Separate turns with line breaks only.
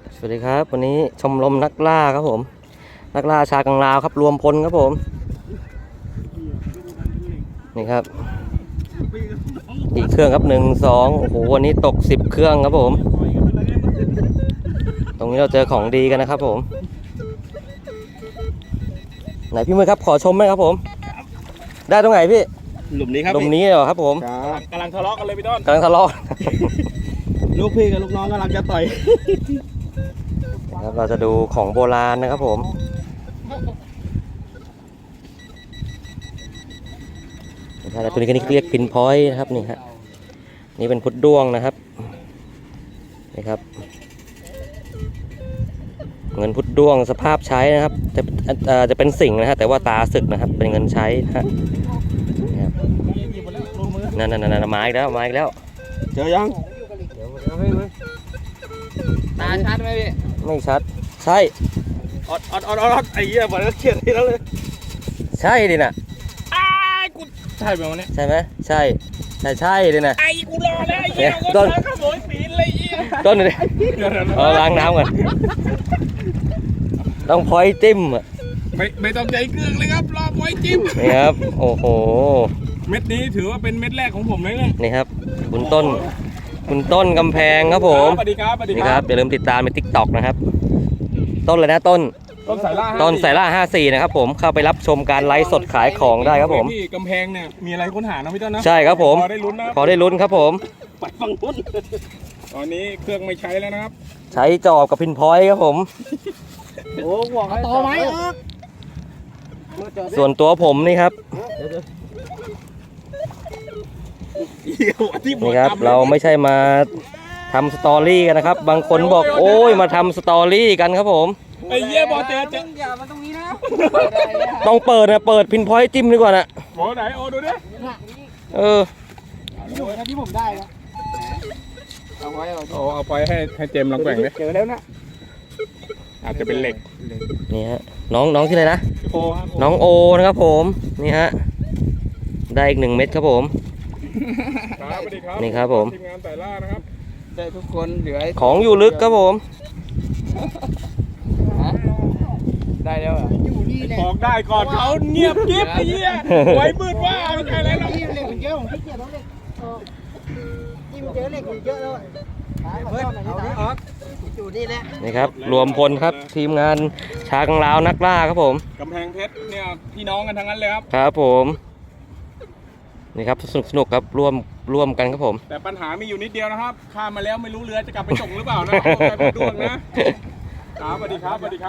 สวัสดีครับวันนี้ชมรมนักล่าครับผมนักล่าชากังลาวครับรวมพลครับผมนี่ครับกี่เครื่องครับ1 2โอ้โหวันนี้ตก10เครื่องครับผมตรงนี้เราเจอของดีกันนะครับผมไหนพี่มือครับขอชมไหมครับผมได้ตรงไหนพี่
หลุมนี้ครับ
หลุมนี้เหรอครับผม
กำลังทะเลาะกันเลยพี่ต้น
กำลังทะเลาะ
ลูกพี่กับลูกน้องกำลังจะต่อย
ครับเราจะดูของโบราณนะครับผมตัวนี้ก็เรียกพินพอยต์นะครับนี่ฮะนี่เป็นพุดด้วงนะครับนี่ครับเงินพุดด้วงสภาพใช้นะครับจะเป็นสิ่งนะฮะแต่ว่าตาสึกนะครับเป็นเงินใช้นะฮะนั่นไม้แล้ว
เจอยัง
ตาชัดไหมพี่
ไม่ชัดใช่
อดไอ้เหี้ยบอกแล้วเครียดทีแล้วเลย
ใช่ดิน่ะ
กูใช่ไหมวันนี้
ใช่ไหมใช่ดิน่ะ
ไอ้กูรอแล้วไอ้เหี้ยต้นขโมยปีนเลยเหี้ย
ต้นเลยล้างน้ำก่อนต้องพอยจิ้มอ่ะ
ไม่ต้องใจเครื่องเลยครับรอพอยจิ้ม
นี่ครับโอ้โห
เม็ดนี้ถือว่าเป็นเม็ดแรกของผมเลย
นี่ครับคุณต้นกำแพงครับผม
สวัสดีครับ
นี่ครับอย่าลืมติดตามใน TikTok นะครับต้นเลยนะต้น
สาย
ล่า54นะครับผมเข้าไปรับชมการไลฟ์สดขายของได้ครับผม
ที่กำแพงเนี่ยมีอะไรค้นหานะพี่ต้นนะ
ใช่ครับผม
พอได้ลุ้น
ครับผม
ไปฟังลุ้นตอนนี้เครื่องไม่ใช้แล้วนะครับ
ใช้จอบกับพินพอยต์ครับผม
โอ้ห่วงต่อไหม
ส่วนตัวผมนี่ครับนี่ครับเราไม่ใช่มาทำสตอรี่กันนะครับบางคนบอกโอ้ยมาทำสตอรี่กันครับผม
ไอ้เหี้ยบอเจ
อย่ามาตรงนี้นะ
ต้องเปิดพินพอยต์จิ้มดีกว่านะ
โอ้ไหนโอ้ดูดิ
อยู่นะที่ผมได้แล้ว
เอาไปให้เจมลองแบ่งดิ
เจอแล้วนะ
อาจจะเป็นเหล็ก
นี่ฮะน้องที่ไหนนะน้องโอนะครับผมนี่ฮะได้อีก1 เม็ดครับผมนี่ครับผม
ทีมงานแต่ล่านะครับ
ได้ทุกคนเหลือ
ของอยู่ลึกครับผม
ได้แล้วอ่ะ
บอกได้ก่อนเขาเงียบกิ๊บไอ้เหี้ยไว้มืดว่าไม่ใช่อะไรหรอก
เหล็กมันเยอะผมขี้เกียจเอาเหล็กจิ้มเจอเหล็กเยอะแล้วเพิ่มเอาอยู่นี่แหละ
นี่ครับรวมพลครับทีมงานชากังลาวนักล่าครับผม
กำแพงเพชรเนี่ยพี่น้องกันทั้งนั้นเลยครับ
ครับผมนี่ครับสนุกครับร่วมกันครับผม
แต่ปัญหามีอยู่นิดเดียวนะครับข้ามมาแล้วไม่รู้เรือจะกลับไปส่งหรือเปล่านะไปด้วงนะสวัสดีครับ